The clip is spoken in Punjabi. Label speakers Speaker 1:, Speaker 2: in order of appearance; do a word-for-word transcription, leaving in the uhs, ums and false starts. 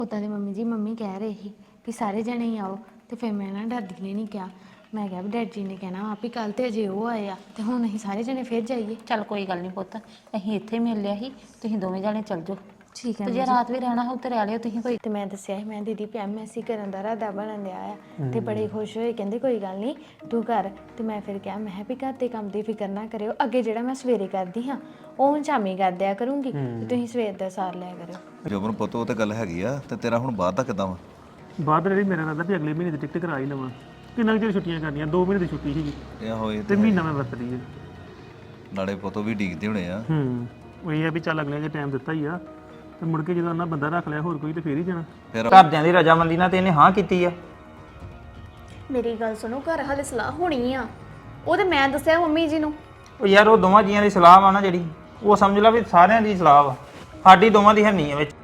Speaker 1: ਉਦਾਂ ਦੇ ਮੰਮੀ ਜੀ ਮੰਮੀ ਕਹਿ ਰਹੇ ਸੀ ਵੀ ਸਾਰੇ ਜਣੇ ਹੀ ਆਓ ਤੇ ਫਿਰ ਮੈਂ ਨਾ ਦਾਦੀ ਨੇ ਨਹੀਂ ਕਿਹਾ। ਮੈਂ ਕਿਹਾ ਵੀ ਡੈਡੀ ਜੀ ਨੇ ਕਹਿਣਾ ਵਾ ਵੀ ਕੱਲ ਤੇ ਅਜੇ ਉਹ ਆਏ ਆ ਤੇ ਹੁਣ ਅਸੀਂ ਸਾਰੇ ਜਣੇ ਫਿਰ ਜਾਈਏ।
Speaker 2: ਚੱਲ ਕੋਈ ਗੱਲ ਨਹੀਂ ਪੁੱਤ, ਅਸੀਂ ਇੱਥੇ ਮਿਲ ਲਿਆ ਸੀ, ਤੁਸੀਂ ਦੋਵੇਂ ਜਾਣੇ ਚੱਲ ਜਾਓ
Speaker 1: ਠੀਕ ਹੈ
Speaker 2: ਤੇ ਜੇ ਰਾਤ ਵੀ ਰਹਿਣਾ ਹੋ ਤੇ ਰਹਿ ਲਿਓ ਤੁਸੀਂ ਕੋਈ।
Speaker 1: ਤੇ ਮੈਂ ਦੱਸਿਆ ਸੀ ਮੈਂ ਦੀਦੀ ਐਮਐਸਸੀ ਕਰਨ ਦਾ ਇਰਾਦਾ ਬਣਨ ਡਿਆ ਆ ਤੇ ਬੜੇ ਖੁਸ਼ ਹੋਏ, ਕਹਿੰਦੇ ਕੋਈ ਗੱਲ ਨਹੀਂ ਤੂੰ ਕਰ। ਤੇ ਮੈਂ ਫਿਰ ਕਿਹਾ ਮੈਂ ਵੀ ਘਰ ਦੇ ਕੰਮ ਦੀ ਫਿਕਰ ਨਾ ਕਰਿਓ, ਅੱਗੇ ਜਿਹੜਾ ਮੈਂ ਸਵੇਰੇ ਕਰਦੀ ਹਾਂ ਉਹ ਹੁਣ ਸ਼ਾਮੀ ਕਰ ਦਿਆ ਕਰੂੰਗੀ ਤੇ ਤੁਸੀਂ ਸਵੇਰ ਦਾ ਸਾਰ ਲਿਆ ਕਰਿਓ।
Speaker 3: ਜੋਬਨ ਪੁੱਤ ਉਹ ਤੇ ਗੱਲ ਹੈਗੀ ਆ ਤੇ ਤੇਰਾ ਹੁਣ ਬਾਅਦ ਦਾ ਕਿੱਦਾਂ ਵਾ?
Speaker 4: ਬਾਅਦ ਜਿਹੜੀ ਮੇਰਾ ਰਾਦਾ ਵੀ ਅਗਲੇ ਮਹੀਨੇ ਦੀ ਟਿਕਟ ਕਰਾ ਹੀ ਲਵਾਂ। ਕਿੰਨਾ ਕੁ ਚਿਰ ਛੁੱਟੀਆਂ ਕਰਨੀਆਂ, ਦੋ ਮਹੀਨੇ ਦੀ ਛੁੱਟੀ ਸੀਗੀ
Speaker 3: ਇਹ ਹੋਏ
Speaker 4: ਤੇ ਮਹੀਨਾ ਮੈਂ ਵਰਤ ਲਈ ਹੈ।
Speaker 3: ਨਾਲੇ ਪੁੱਤੋਂ ਵੀ ਡੀਕਦੇ ਹੋਣੇ ਆ।
Speaker 4: ਹੂੰ ਉਹ ਇਹ ਆ ਵੀ ਚੱਲ ਅਗਲੇ ਜੇ ਟਾਈਮ ਦਿੱਤਾ ਹੀ ਆ ਤੇ ਮੁੜ ਕੇ ਜਦੋਂ ਉਹਨਾਂ ਬੰਦਾ ਰੱਖ ਲਿਆ ਹੋਰ ਕੋਈ ਤੇ ਫੇਰ ਹੀ ਜਾਣਾ।
Speaker 3: ਫਿਰ
Speaker 5: ਘਰਦਿਆਂ ਦੀ ਰਜਾਮੰਦੀ ਨਾਲ ਤੇ ਇਹਨੇ ਹਾਂ ਕੀਤੀ ਆ।
Speaker 6: ਮੇਰੀ ਗੱਲ ਸੁਣੋ, ਘਰ ਹਾਲੇ ਸਲਾਹ ਹੋਣੀ ਆ, ਉਹ ਤੇ ਮੈਂ ਦੱਸਿਆ ਮੰਮੀ ਜੀ ਨੂੰ।
Speaker 5: ਉਹ ਯਾਰ ਉਹ ਦੋਵਾਂ ਜੀਆਂ ਦੀ ਸਲਾਹ ਵਾ ਨਾ ਜਿਹੜੀ, ਉਹ ਸਮਝ ਲਾ ਵੀ ਸਾਰਿਆਂ ਦੀ ਸਲਾਹ ਵਾ, ਸਾਡੀ ਦੋਵਾਂ ਦੀ ਹੈ ਨਹੀਂ ਆ ਵਿੱਚ।